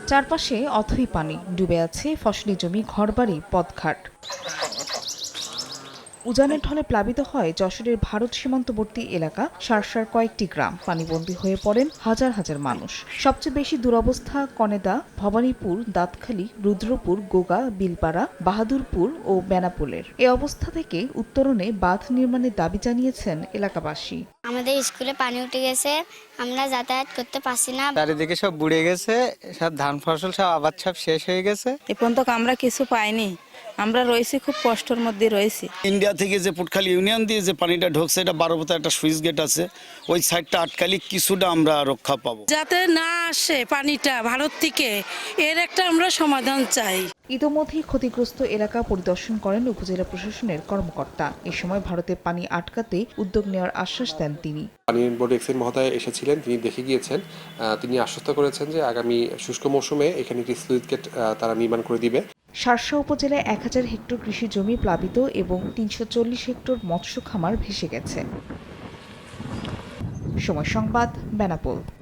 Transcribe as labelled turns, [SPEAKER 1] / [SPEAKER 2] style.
[SPEAKER 1] চারপাশে অথই পানি, ডুবে আছে ফসলি জমি, ঘরবাড়ি, পথঘাট। উজানের ঢলে প্লাবিত হয় যশোরের ভারত সীমান্তবর্তী এলাকা শার্শার কয়েকটি গ্রাম। পানিবন্দী হয়ে পড়েন হাজার হাজার মানুষ। সবচেয়ে বেশি দুরবস্থা কনেদা, ভবানীপুর, দাঁতখালী, রুদ্রপুর, গোগা, বিলপাড়া, বাহাদুরপুর ও বেনাপোলের। এ অবস্থা থেকে উত্তরণে বাঁধ নির্মাণের দাবি জানিয়েছেন এলাকাবাসী।
[SPEAKER 2] আমাদের স্কুলে পানি উঠে গেছে, আমরা যাতায়াত করতে পারছি না।
[SPEAKER 3] চারিদিকে সব বুড়ে গেছে, সব ধান ফসল সব আবাদ সব শেষ হয়ে গেছে।
[SPEAKER 4] এ পর্যন্ত আমরা কিছু পাইনি, আমরা রয়েছি খুব কষ্টের মধ্যে রয়েছি।
[SPEAKER 5] ইন্ডিয়া থেকে যে পুটখালি ইউনিয়ন দিয়ে যে পানিটা ঢুকছে, এটা 12 একটা সুইচ গেট আছে, ওই সাইডটা আটকালি কিছুটা আমরা রক্ষা পাবো।
[SPEAKER 4] যাতে না আসে পানিটা ভারত থেকে, এর একটা আমরা সমাধান চাই।
[SPEAKER 1] ইতোমধ্যেই ক্ষতিগ্রস্ত এলাকা পরিদর্শন করেন উপজেলা প্রশাসনের কর্মকর্তা। এ সময় ভারতে পানি আটকাতে উদ্যোগ নেওয়ার আশ্বাস দেন তিনি।
[SPEAKER 6] পানি বোর্ড এক্সিন মহোদয় এসেছিলেন, তিনি দেখে গিয়েছেন। তিনি আশ্বস্ত করেছেন যে আগামী শুষ্ক মৌসুমে এখানে একটি স্লুইস গেট তারা নির্মাণ করে দিবে।
[SPEAKER 1] শার্শা উপজেলায় 1000 হেক্টর কৃষি জমি প্লাবিত এবং 340 হেক্টর মৎস্য খামার ভেসে গেছে। সময় সংবাদ, বেনাপোল।